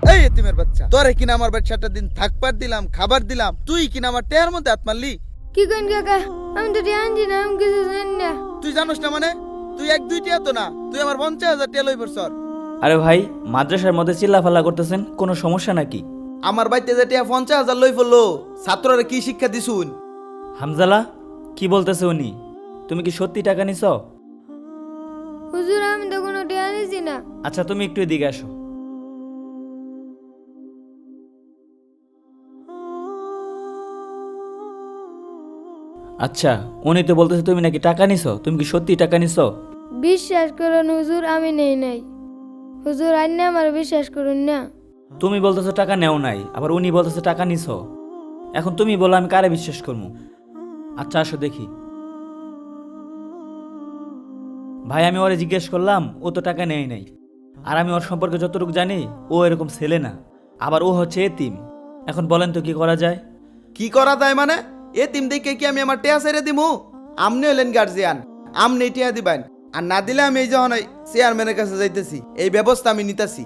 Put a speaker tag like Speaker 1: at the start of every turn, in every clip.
Speaker 1: এই এতিমের বাচ্চা, তোরে কিনা আমার বাচ্চাটা দিন থাকবার দিলাম, খাবার দিলাম, তুই কিনা আমার টেয়ার মধ্যে হাত মারলি।
Speaker 2: কি কইন কাকা, আমি তো জানি না, আমি কিছু জানি না।
Speaker 1: তুই জানোস না মানে? তুই 1-2 টিয়া তো না, তুই আমার 50,000 টিয়া লই পড়ছর।
Speaker 3: আরে ভাই, মাদ্রাসার মধ্যে চিল্লাফাল্লা করতেছেন, কোনো সমস্যা নাকি?
Speaker 1: আমার বাইতে যে টিয়া 50,000 লই পড়লো, ছাত্ররা কি শিক্ষা দিছুন?
Speaker 3: হামজালা, কি বলতেছে উনি? তুমি কি সত্যি টাকা নিছ?
Speaker 2: হুজুর আমি তো কোনো টিয়া নিছি না।
Speaker 3: আচ্ছা, তুমি একটু এদিকে আসো। আচ্ছা, উনি তো বলতেছে তুমি নাকি টাকা নিছো, তুমি কি সত্যি টাকা নিছো?
Speaker 2: বিশ্বাস করুন হুজুর, আমি নেই নাই। হুজুর আইনে আমার বিশ্বাস করুন না।
Speaker 3: তুমি বলতেছো টাকা নেও নাই, আবার উনি বলতেছে টাকা নিছো। এখন তুমি বলো আমি কারে বিশ্বাস করবো? আচ্ছা আসো দেখি। ভাই, আমি ওরে জিজ্ঞেস করলাম, ও তো টাকা নেয় নাই। আর আমি ওর সম্পর্কে যতটুকু জানি, ও এরকম ছেলে না, আবার ও হচ্ছে এতিম। এখন বলেন তো কি করা যায়?
Speaker 1: কি করা যায় মানে? এতিম দেখে কি আমি আমার টিয়া ছেড়ে দিমু? আমনি হলেন গার্জিয়ান, আমনি টিয়া দিবেন। আর না দিলে আমি এই যখন ওই চেয়ারম্যানের কাছে যাইতেছি, এই ব্যবস্থা আমি নিতেছি।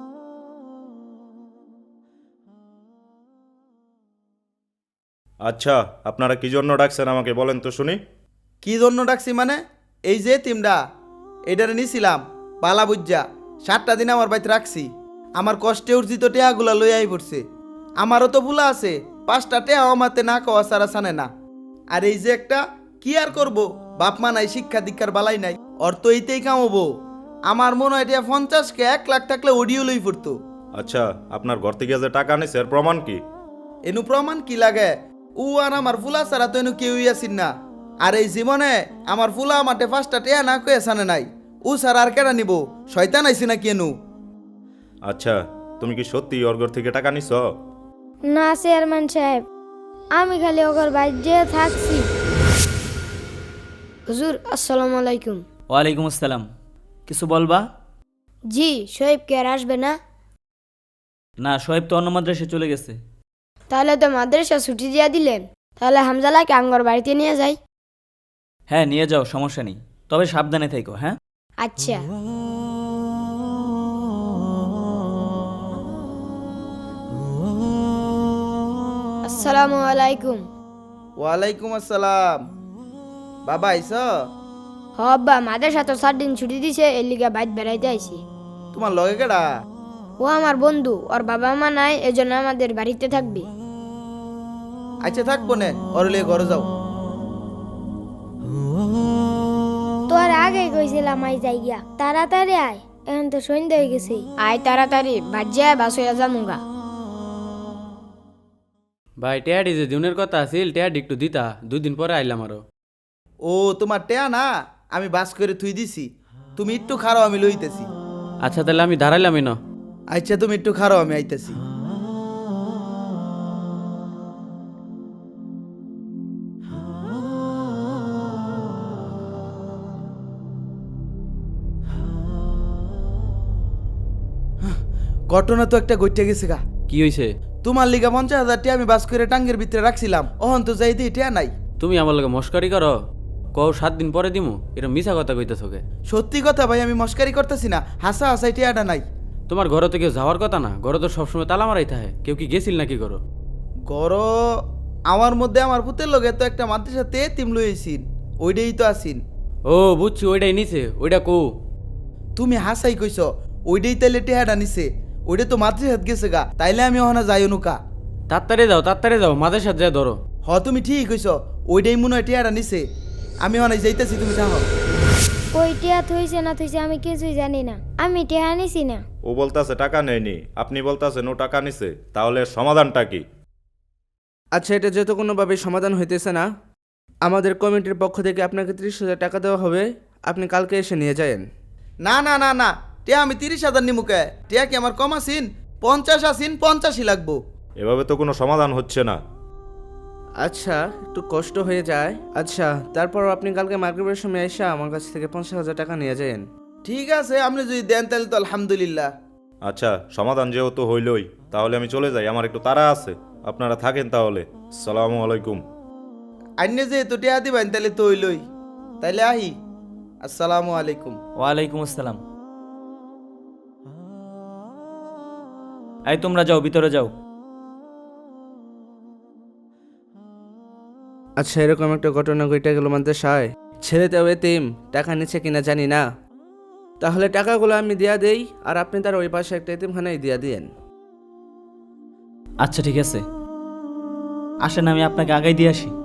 Speaker 4: আচ্ছা, আপনারা কি জন্য ডাকছেন আমাকে বলেন তো শুনি।
Speaker 1: কি জন্য ডাকছি মানে? এই যে এতিমটা, এইটারে নিছিলাম পালা বুজ্জা, 7টা দিন আমার বাড়িতে রাখছি। আমার কষ্টে অর্জিত টেয়াগুলা লই আই পড়ছে। আমারও তো ভুলা আছে, 5টা টেয়া আমাতে না কওয়া সারা সানে না। আর এই যে একটা, কি আর করব, বাপ মা নাই, শিক্ষা দীক্ষার বালাই নাই, অর তো এইতেই কামাবো। আমার মনে হয় এটা 50কে 1 লাখ থাকলে অডিও লই পড়তো।
Speaker 4: আচ্ছা, আপনার ঘর থেকে যে টাকা নিছে এর প্রমাণ কি?
Speaker 1: এনু প্রমাণ কি লাগে? ও আর আমার ফুলা ছাড়া তো এনু কেউই আসিন না। আর এই জীবনে আমার ফুলা মাঠে 5টা টেয়া না কয়ে সানে নাই। ও ছাড়া আর কেডা নিব? শয়তান আইসি না কেনু?
Speaker 4: আচ্ছা, তুমি কি সত্যি ওর ঘর থেকে টাকা নিছ?
Speaker 2: না চেয়ারম্যান সাহেব, আমি খালি ওগর বাইরে থাকছি। হুজুর আসসালামু আলাইকুম।
Speaker 3: ওয়ালাইকুম আসসালাম। কিছু বলবা?
Speaker 2: জি, শোয়েব কে আর আসবে না?
Speaker 3: না, শোয়েব তো অন্য মাদ্রাসায় চলে গেছে।
Speaker 2: তাহলে তো মাদ্রাসা ছুটি দিয়া দিলেন। তাহলে হামজালাকে আঙ্গর বাড়িতে নিয়ে যাই।
Speaker 3: হ্যাঁ, নিয়ে যাও, সমস্যা নেই, তবে সাবধানে থেকো। হ্যাঁ,
Speaker 2: আচ্ছা। আসসালামু আলাইকুম।
Speaker 1: ওয়ালাইকুম আসসালাম। বাবা আইস?
Speaker 2: হব্বা মাদ্রাসা তো 7 দিন ছুটি দিছে, এর লিগে বাইর বেড়াইতে আইছি।
Speaker 1: তোমার লগে কেডা?
Speaker 2: ও আমার বন্ধু, ওর বাবা মা নাই, এজন্য আমাদের বাড়িতে থাকবে।
Speaker 1: আচ্ছা থাকবো নে, ওর লিয়ে ঘরে যাও।
Speaker 2: তোর আগে কইছিলাম আই যাই গিয়া, তাড়াতাড়ি আয়, এখন তো সন্ধ্যা হয়ে গেছে। আয় তাড়াতাড়ি, ভাজ্যা বাস হইয়া জামুগা।
Speaker 5: ভাই টেয়াডি যে দিনের কথা আছিল, টেয়াডি একটু দিতা, 2 দিন পরে আইলাম আরো।
Speaker 1: ও তোমার টেয়া না, আমি বাস করে থুই দিছি। তুমি একটু খারাও, আমি লইতেছি।
Speaker 5: আচ্ছা তাহলে আমি দাঁড়াইলামই না।
Speaker 1: আচ্ছা তুমি একটু খারাও, আমি আইতেছি। ঘটনা তো একটা ঘটে গেছে গা।
Speaker 5: কি হইছে?
Speaker 1: তোমার লিগা 50,000 টিয়া আমি বাস করে টাঙ্গের ভিতরে রাখছিলাম, অহন তো যাই দিই টিয়া নাই।
Speaker 5: তুমি আমার লগে মস্কারি করো? কও 7 দিন পরে দিমু, এটা মিছা কথা কইতেছো কে?
Speaker 1: সত্যি কথা ভাই, আমি মস্কারি করতেছি না, হাসা হাসাই টিয়াটা নাই।
Speaker 5: তোমার ঘরে তো কেউ যাওয়ার কথা না, ঘরে তো সবসময় তালা মারাই থাকে, কেউ কি গেছিল নাকি করো?
Speaker 1: গর আমার মধ্যে আমার পুতের লগে তো একটা মাদ্রাসাতে তিম লইছিন, ওইটাই তো আসিন।
Speaker 5: ও বুঝছি, ওইটাই নিছে, ওইটা কো?
Speaker 1: তুমি হাসাই কইছ, ওইটাই তাইলে টেহাটা নিছে, ওইটা তো মাদ্রাসাত গেছে গা, তাইলে আমি ওখানে যাই অনুকা।
Speaker 5: তাড়াতাড়ি যাও, মাঝে সাথে যা ধরো।
Speaker 1: তুমি ঠিক কইছ, ওইটাই মনে হয় টেহাটা নিছে। আমি ওখানে যাইতেছি, তুমি থাকো।
Speaker 2: কই টিয়া থইছে না থইছে আমি কিছুই জানি না, আমি টিয়া নিছি না।
Speaker 4: ও বলতাছে টাকা নেয়নি, আপনি বলতাছেন ও টাকা নিছে, তাহলে এর সমাধানটা কি?
Speaker 6: আচ্ছা, এটা যেহেতু কোনোভাবে সমাধান হইতেছে না, আমাদের কমিটির পক্ষ থেকে আপনাকে 30,000 টাকা দেওয়া হবে। আপনি কালকে এসে নিয়ে যায়েন।
Speaker 1: না না না না, টিয়া আমি 30,000 নিমুকে। টিয়া কি আমার কম আসিন? 50 আসিন, 50ই লাগবো।
Speaker 4: এভাবে তো কোনো সমাধান হচ্ছে না।
Speaker 6: আচ্ছা, একটু কষ্ট হয়ে যায়। আচ্ছা, তারপর আপনি কালকে মার্কেটের সময় এসে আমার কাছ থেকে 50,000 টাকা নিয়ে যায়েন।
Speaker 1: ঠিক আছে, আপনি যদি দেন তাহলে তো আলহামদুলিল্লাহ।
Speaker 4: আচ্ছা, সমাধান যেহেতু হইলই, তাহলে আমি চলে যাই, আমার একটু তাড়া আছে। আপনারা থাকেন তাহলে। আসসালামু আলাইকুম।
Speaker 1: আইনে যেহেতু টিয়া দিবেন তাহলে তো হইলই, তাইলে আহি। আসসালামু আলাইকুম।
Speaker 3: ওয়ালাইকুম আসসালাম। এই তোমরা যাও, ভিতরে যাও।
Speaker 6: আচ্ছা, এরকম একটা ঘটনা ঘটে গেল মাদ্রাসায়, ছেলেটাও এতিম, টাকা নিচ্ছে কিনা জানি না। তাহলে টাকাগুলো আমি দিয়া দেই, আর আপনি তার ওই পাশে একটা এতিমখানায় দিয়া দিয়েন।
Speaker 3: আচ্ছা ঠিক আছে, আসেন আমি আপনাকে আগাই দিয়ে আসি।